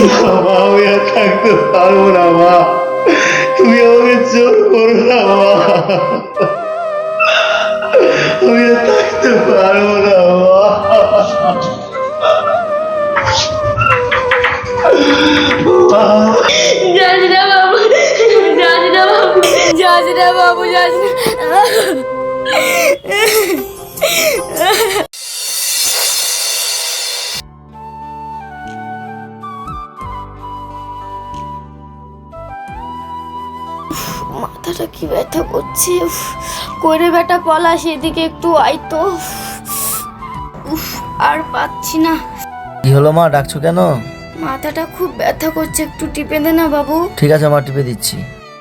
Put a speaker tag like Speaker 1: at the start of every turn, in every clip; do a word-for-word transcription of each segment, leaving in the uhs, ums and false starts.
Speaker 1: মা আমি আর থাকতে পারবো না মা, তুমি আমাকে জোর করো না মা, আমি আর থাকতে পারবো না মা।
Speaker 2: যাস না বাবু, যাস না বাবু, যাস না বাবু, যাস না। মাথাটা কি ব্যথা করছে। উফ, করে বেটা পলাশ এদিকে একটু আইতো। উফ, আর পাচ্ছি না।
Speaker 3: কি হলো মা, ডাকছো কেন?
Speaker 2: মাথাটা খুব ব্যথা করছে, একটু টিপে দে না বাবু।
Speaker 3: ঠিক আছে মা, টিপে দিচ্ছি।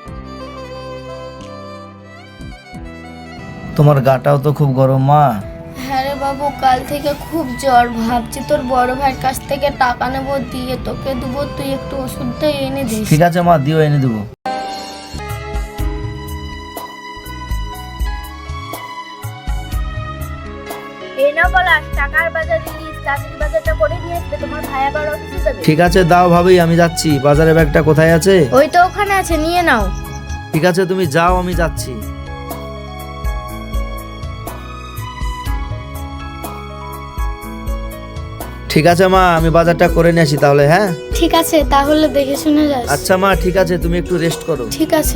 Speaker 3: তোমার গাটাও তো খুব গরম মা।
Speaker 2: হ্যাঁ রে বাবু, কাল থেকে খুব জ্বর। ভাবছি তোর বড় ভাইয়ের কাছ থেকে টাকা নেবো, দিয়ে তোকে দেবো, তুই একটু ওষুধটা এনে দিস।
Speaker 3: ঠিক আছে মা, দিও, এনে দেবো।
Speaker 2: এই না পলাশ, টাকার বাজার দিস, চাকরির বাজারটা করে নিয়ে আসবে, তোমার ভাই আবার অফিসে যাবে।
Speaker 3: ঠিক আছে দাও ভাবি, আমি যাচ্ছি। বাজারে ব্যাগটা কোথায় আছে?
Speaker 2: ওই তো ওখানে আছে, নিয়ে নাও।
Speaker 3: ঠিক আছে তুমি যাও, আমি যাচ্ছি। ঠিক আছে মা, আমি বাজারটা করে নিয়ে আসি তাহলে। হ্যাঁ
Speaker 2: ঠিক আছে, তাহলে দেখে শুনে যাস।
Speaker 3: আচ্ছা মা, ঠিক আছে, তুমি একটু রেস্ট করো।
Speaker 2: ঠিক আছে।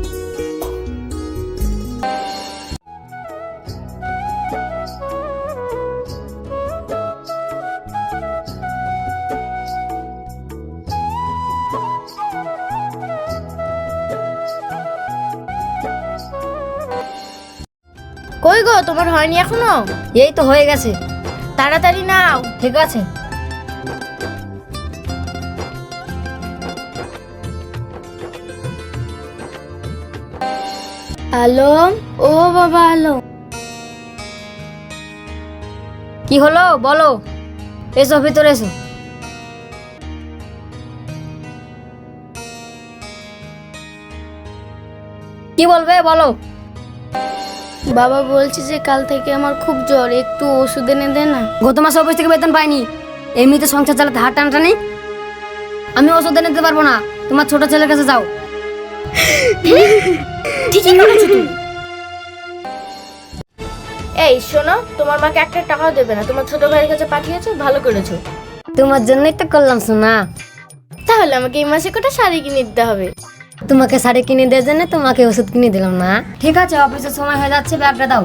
Speaker 2: কই গো, তোমার হয়নি এখনো?
Speaker 4: এই তো হয়ে গেছে।
Speaker 2: তাড়াতাড়ি নাও।
Speaker 4: ঠিক আছে।
Speaker 2: হ্যালো, ও বাবা হ্যালো।
Speaker 4: কি হলো বলো, এসো ভিতরে এসো। কি বলবে বলো।
Speaker 2: বাবা বলছি যে কাল থেকে আমার খুব জ্বর, একটু ওষুধ এনে দে না।
Speaker 4: গত মাসে অফিস থেকে বেতন পাইনি, এমনিতে সংসার চালাতে হাত টানটানি। আমি ওষুধ এনে দিতে পারবো না, তোমার ছোট ছেলের কাছে যাও।
Speaker 2: ঠিকই করেছো তুমি। এই শোনো, তোমার মাকে একটা টাকাও দেবে না, তোমার ছোট ভাইয়ের কাছে পাঠিয়েছো, ভালো করেছো।
Speaker 4: তোমার জন্যই তো করলাম শোনা।
Speaker 2: তাহলে আমাকে এই মাসে কটা শাড়ি কিনে দিতে হবে।
Speaker 4: তোমাকে শাড়ি কিনে দেওয়ার জন্য তোমাকে ওষুধ কিনে দিলাম না। ঠিক আছে, অফিসের সময় হয়ে যাচ্ছে, ব্যাগটা দাও।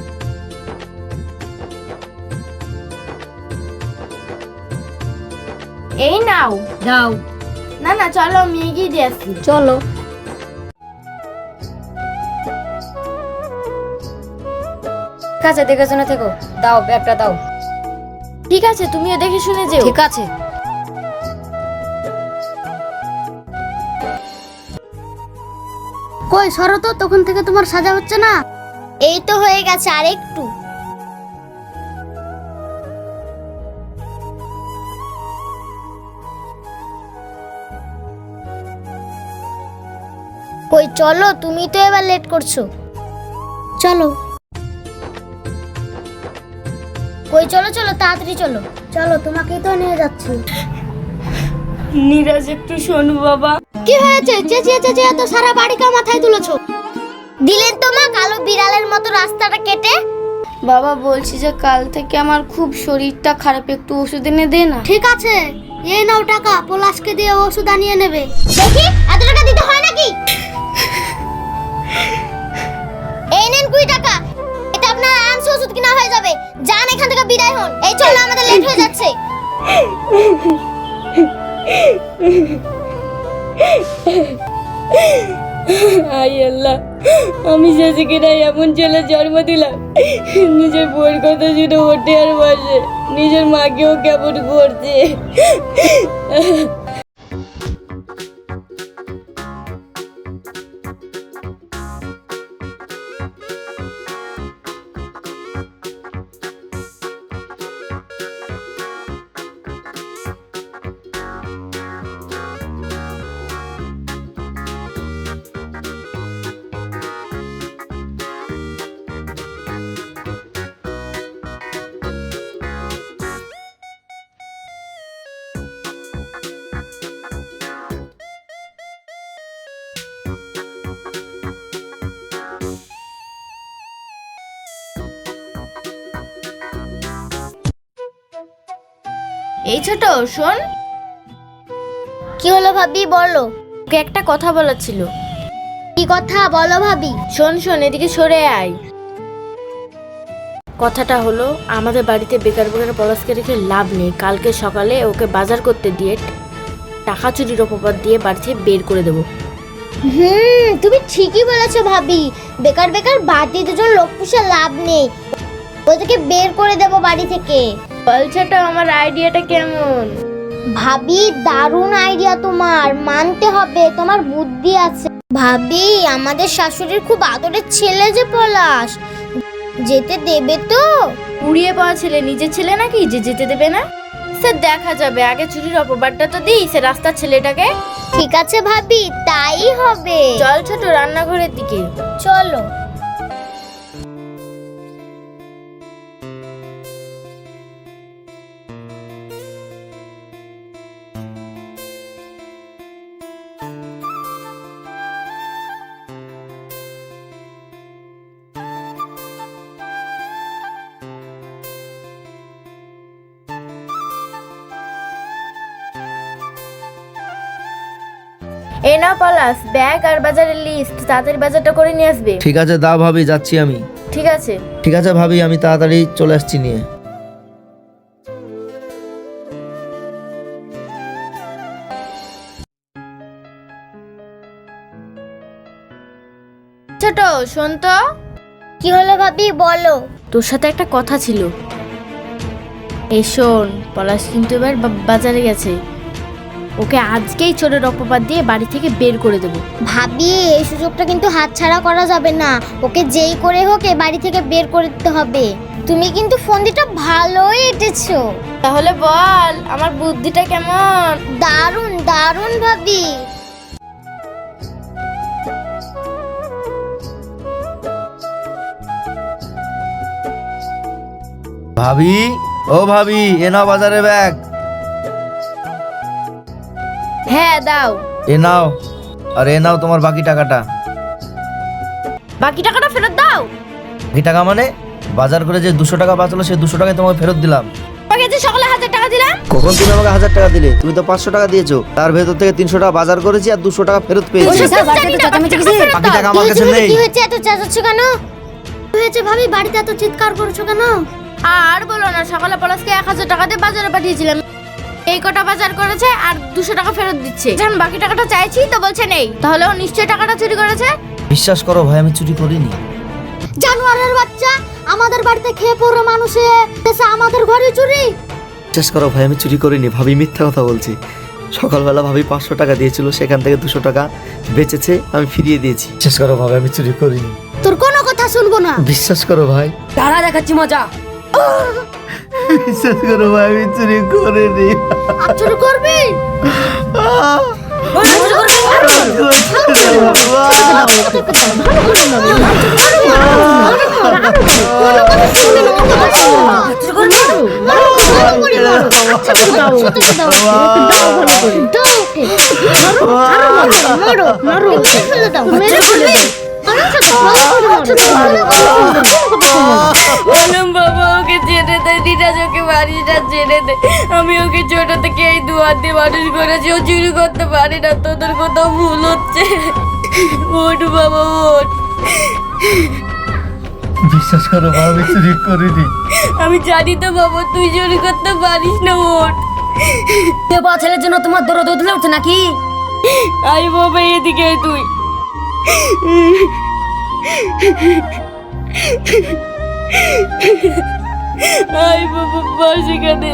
Speaker 2: এই নাও।
Speaker 4: দাও।
Speaker 2: না না, চলো আমি এগিয়ে দিয়ে আসছি।
Speaker 4: চলো। ঠিক আছে, দেখে শুনে থেকো। দাও, ব্যাগটা দাও।
Speaker 2: ঠিক আছে, তুমিও দেখে শুনে যেও।
Speaker 4: ঠিক আছে।
Speaker 2: কই সরো তো, তখন থেকে তোমার সাজা হচ্ছে না। এই তো হয়ে গেছে, আর একটু। কই চলো, তুমি তো এবার লেট করছো। চলো। কই চলো চলো, তাড়াতাড়ি চলো। চলো, তোমাকেই তো নিয়ে যাচ্ছি। নীরাজ একটু শোনো বাবা। কি হয়েছে? চেঁচিয়ে চেঁচিয়ে তো সারা বাড়িকে মাথায় তুলেছো। দিলেন তো মা কালো বিড়ালের মতো রাস্তাটা কেটে। বাবা বলছি যে কাল থেকে আমার খুব শরীরটা খারাপ, একটু ওষুধ এনে দে না। ঠিক আছে, এই নাও টাকা, পলাশকে দিয়ে ওষুধ আনিয়ে নেবে। দেখি এত টাকা দিতে হয় নাকি? এই নেন কুড়ি টাকা, এটা আপনার আরামসে ওষুধ কিনা হয়ে যাবে। যান এখান থেকে বিদায় হন। এই চলো, আমাদের লেট হয়ে যাচ্ছে।
Speaker 5: আই আল্লাহ, আমি শেষে এমন ছেলে জন্ম দিলাম, নিজের বউয়ের কথা শুনে ওঠে আর বসে, নিজের মাকেও কেমন করছে। এই ছোট শোন,
Speaker 2: কি হলো ভাবি বলো।
Speaker 5: ওকে একটা কথা বলার ছিল।
Speaker 2: কি কথা বলো ভাবি।
Speaker 5: শোন শোন এদিকে সরে আয়। কথাটা হলো, আমাদের বাড়িতে বেকার বেকার পলাশকে রেখে লাভ নেই। কালকে সকালে ওকে বাজার করতে দিয়ে টাকা চুরির অপবাদ দিয়ে বাড়ি থেকে বের করে দেবো।
Speaker 2: হুম তুমি ঠিকই বলেছো ভাবি, বেকার বেকার বাড়তি দুজন লোক পুষে লাভ নেই, ওদেরকে বের করে দেবো বাড়ি থেকে।
Speaker 5: বল ছোট, আমার আইডিয়াটা কেমন?
Speaker 2: ভাবি দারুণ আইডিয়া তোমার, মানতে হবে তোমার বুদ্ধি আছে। ভাবি আমাদের শাশুড়ির খুব আদরের ছেলে যে পলাশ, যেতে দেবে তো?
Speaker 5: উড়িয়ে পাওয়া ছেলে নিজের ছেলে নাকি যে যেতে দেবে না? সে দেখা যাবে, আগে চুরির অপবাদটা তো দিই সে রাস্তার ছেলেটাকে।
Speaker 2: ঠিক আছে ভাবি, তাই হবে।
Speaker 5: চল ছোট রান্নাঘরের দিকে
Speaker 2: চলো।
Speaker 5: এই নাও পলাশ, ব্যাগ আর বাজারের লিস্ট, তাড়াতাড়ি বাজারটা করে নিয়ে আসবে।
Speaker 3: ঠিক আছে দাও ভাবি, যাচ্ছি আমি।
Speaker 5: ঠিক আছে।
Speaker 3: ঠিক আছে ভাবি, আমি তাড়াতাড়ি চলে আসছি নিয়ে।
Speaker 5: ছোট শোন তো।
Speaker 2: কি হলো ভাবি বলো।
Speaker 5: তোর সাথে একটা কথা ছিল। এই শোন, পলাশ কিন্তু এবার বা- বাজারে গেছে। ওকে আজকেই চোরের অপবাদ দিয়ে বাড়ি থেকে বের করে দেবো।
Speaker 2: ভাবি এই সুযোগটা কিন্তু হাতছাড়া করা যাবে না, ওকে যেই করে হোক এ বাড়ি থেকে বের করে দিতে হবে। তুমি কিন্তু ফন্দিটা ভালোই এঁটেছো।
Speaker 5: তাহলে বল আমার বুদ্ধিটা কেমন?
Speaker 2: দারুণ দারুণ ভাবি।
Speaker 3: ভাবি, ও ভাবি, এ নাও বাজারে ব্যাগ।
Speaker 5: হ্যাঁ দাও।
Speaker 3: এ নাও, আর এ নাও তোমার বাকি টাকাটা।
Speaker 5: বাকি টাকাটা ফেরত দাও।
Speaker 3: বাকি টাকা মানে? বাজার করে যে দুশো টাকা বাঁচলো সেই দুশো টাকায় তোমাকে ফেরত দিলাম।
Speaker 5: তোমাকে যে সকালে হাজার টাকা দিলাম।
Speaker 3: কখন তুমি আমাকে হাজার টাকা দিলে? তুমি তো পাঁচশো টাকা দিয়েছো, তার ভেতর থেকে তিনশো টাকা বাজার করেছি আর দুশো টাকা ফেরত পেয়েছি।
Speaker 4: স্যার, বাড়িতে তো চেঁচামেচি কিসের?
Speaker 3: বাকি টাকা
Speaker 2: কি
Speaker 3: আমার
Speaker 2: হয়েছে
Speaker 3: কাছে
Speaker 2: ভাবি,
Speaker 3: নেই।
Speaker 2: কি হয়েছে এত চেঁচাচ্ছ কেন? কি হয়েছে ভাবি, বাড়িতে এত চিৎকার করছো কেন?
Speaker 5: আর বলো না, সকালে পলাশকে এক হাজার টাকা দিয়ে বাজারে পাঠিয়েছিলাম। এই কটা বাজার করেছে আর দুশো টাকা ফেরত দিচ্ছে। যখন বাকি টাকাটা চাইছি তো বলছে নেই। তাহলে ও নিশ্চয়ই টাকাটা চুরি করেছে।
Speaker 3: বিশ্বাস করো ভাই, আমি চুরি করিনি।
Speaker 2: জানোয়ারের বাচ্চা, আমাদের বাড়িতে খেয়ে পড়ো মানুষে, এসে আমাদের ঘরে চুরি।
Speaker 3: বিশ্বাস করো ভাই, আমি চুরি করিনি। ভাবি মিথ্যা কথা বলছি। সকালবেলা ভাবি পাঁচশো টাকা দিয়েছিল, সেখান থেকে দুশো টাকা বেঁচেছে, আমি ফিরিয়ে দিয়েছি। বিশ্বাস করো ভাই, আমি চুরি করিনি।
Speaker 2: তোর কোনো কথা শুনবো না।
Speaker 3: বিশ্বাস করো ভাই,
Speaker 4: তারা দেখাচ্ছি মজা।
Speaker 3: বিশ্বাস করো ভাই, আমি চুরি করিনি।
Speaker 2: চুরি করবি?
Speaker 5: বললাম বাবা ওকে ছেড়ে দে, দিদাজ ওকে বাড়িটা ছেড়ে দে। আমি ওকে ছোট থেকে এই দুয়ার দিয়ে মানুষ করেছি, ও চুরি করতে পারে না। তোদের কোথাও ভুল হচ্ছে। ওঠ বাবা ওঠ।
Speaker 3: বিশ্বাস করো ভাই, আমি চুরি করিনি।
Speaker 5: আমি জানি তো বাবা তুই চুরি করতে পারিস না। ওঠ।
Speaker 4: কে বা ছেলের জন্য তোমার দরদ উঠলে উঠছে নাকি?
Speaker 5: আই বাবা এদিকে আয় তুই। আই বাবা বস এখানে।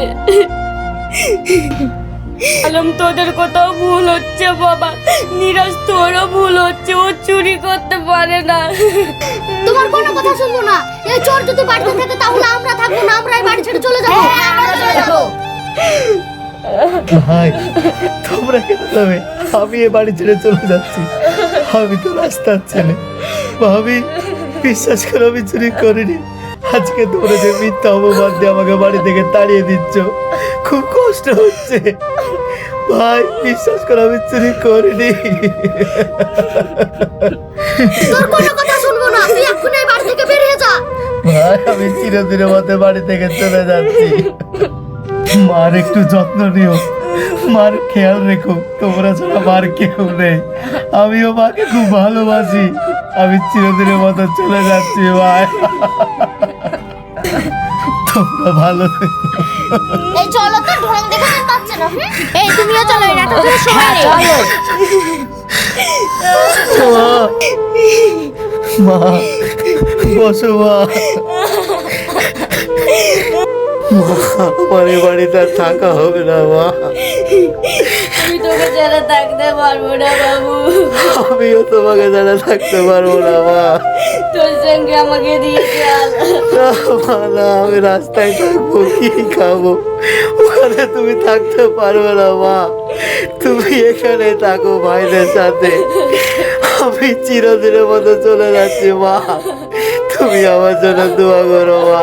Speaker 5: আলম তোদের কোথাও ভুল হচ্ছে বাবা। নিরাজ তোরও ভুল হচ্ছে, ও চুরি করতে পারে না।
Speaker 2: তোমার কোনো কথা শুনবো না। এই চোর যদি বাড়িতে থাকে তাহলে আমরা থাকবো না, আমরা এই বাড়ি ছেড়ে চলে যাবো। আমরা চলে যাবো।
Speaker 3: ভাই তোমরা কেন যাবে? আমি এ বাড়ি ছেড়ে চলে যাচ্ছি। আমি তো রাস্তার ছেলে। ভাবি বিশ্বাস করো, আমি চুরি করিনি। আজকে তোমরা যে মিথ্যা অপবাদ দিয়ে আমাকে বাড়ি থেকে তাড়িয়ে দিচ্ছ, খুব কষ্ট হচ্ছে। ভাই বিশ্বাস করো, আমি চুরি করিনি।
Speaker 2: তোর কোনো কথা শুনবো না, তুই এক্ষুনি এই বাড়ি থেকে বেরিয়ে যা।
Speaker 3: ভাই আমি চিরদিনের মতো বাড়ি থেকে চলে যাচ্ছি। মার একটু যত্ন নিও, মার খেয়াল রেখো, তোমরা ছাড়া মার কেউ নেই। আমিও মাকে খুব ভালোবাসি। আমি চিরদিনের মতো চলে যাচ্ছি ভাই, তোমরা ভালো থেকো।
Speaker 2: এই চলো তো, ঢং দেখাতে পারছে না। হুম? এই তুমিও চলো, এই নাটকের সময় নেই।
Speaker 3: মা, মা বসো মা। মা, আমার এ বাড়িতে আর থাকা হবে না মা।
Speaker 5: আমি তোকে ছাড়া থাকতে পারবো না বাবু।
Speaker 3: আমিও তোমাকে ছাড়া থাকতে পারবো না মা।
Speaker 5: তোর সঙ্গে আমাকে দিয়ে চল।
Speaker 3: না মা, না, আমি রাস্তায় থাকবো, কি খাবো? ওখানে তুমি থাকতে পারবে না মা। তুমি এখানে থাকো ভাইদের সাথে। আমি চিরদিনের মতো চলে যাচ্ছি মা। তুমি আমার জন্য দোয়া করো মা।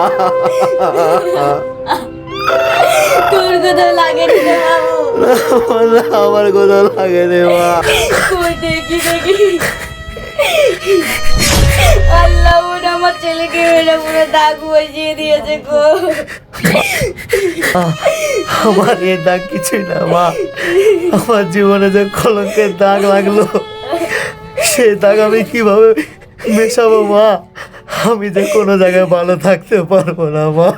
Speaker 5: তোর কোথাও লাগে রে বাবু?
Speaker 3: না, আমার কোথাও লাগে রে মা।
Speaker 5: কই দেখি দেখি। আল্লাহ, ওরা আমার ছেলেকে মেরে পুরো দাগ বসিয়ে দিয়েছে গো।
Speaker 3: আমার এ দাগ কিছুই না মা। আমার জীবনে যে কলঙ্কের দাগ লাগলো, সে দাগ আমি কিভাবে মেশাবো মা? আমি যে কোনো জায়গায় ভালো থাকতে পারবো না মা।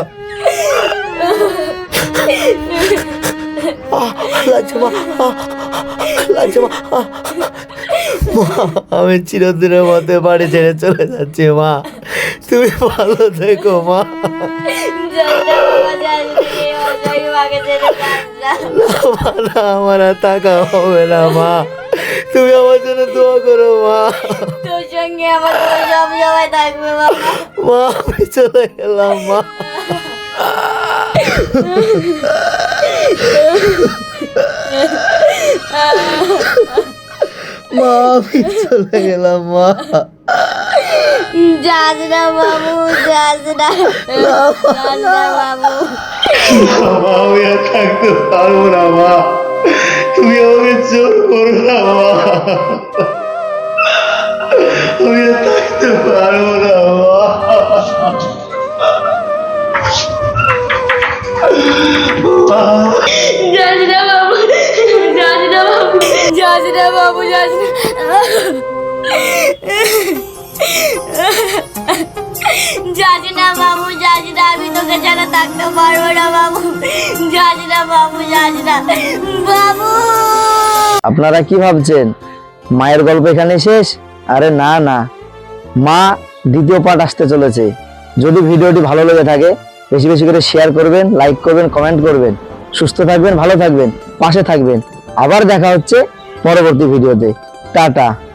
Speaker 3: আহ, লাগছে মা, আহ, লাগছে মা। আহ, মা, আমি চিরদিনের মধ্যে বাড়ি ছেড়ে চলে যাচ্ছি মা। তুমি ভালো থেকো মা।
Speaker 5: যাই না বাবা, যাই না, এই অজয় মাকে ছেড়ে যাস না।
Speaker 3: মা, না, আমার আর থাকা হবে না মা। তুমি আমার জন্য দোয়া করো মা।
Speaker 5: তোর সঙ্গে আমার সব সময় থাকবে বাবা।
Speaker 3: মা, আমি চলে গেলাম মা। মা, আমি চলে গেলাম মা।
Speaker 5: যাস না বাবু, যাস না, যাস না বাবু।
Speaker 1: বাবা, আমি আর থাকতে পারবো না মা। তুমি আমাকে জোর করো না মা। আমি আর থাকতে পারবো না মা।
Speaker 5: যাস না বাবু, যাস না বাবু, যাস না বাবু, যাস না। যাস না বাবু, যাস না, আমি তোকে ছাড়া থাকতে পারবো না বাবু। যাস না বাবু, যাস না বাবু।
Speaker 6: আপনারা কি ভাবছেন মায়ের গল্প এখানে শেষ? আরে না না, মা দ্বিতীয় পার্ট আসতে চলেছে। যদি ভিডিওটি ভালো লেগে থাকে বেশি বেশি করে শেয়ার করবেন, লাইক করবেন, কমেন্ট করবেন। সুস্থ থাকবেন, ভালো থাকবেন, পাশে থাকবেন। আবার দেখা হচ্ছে পরবর্তী ভিডিওতে। টাটা।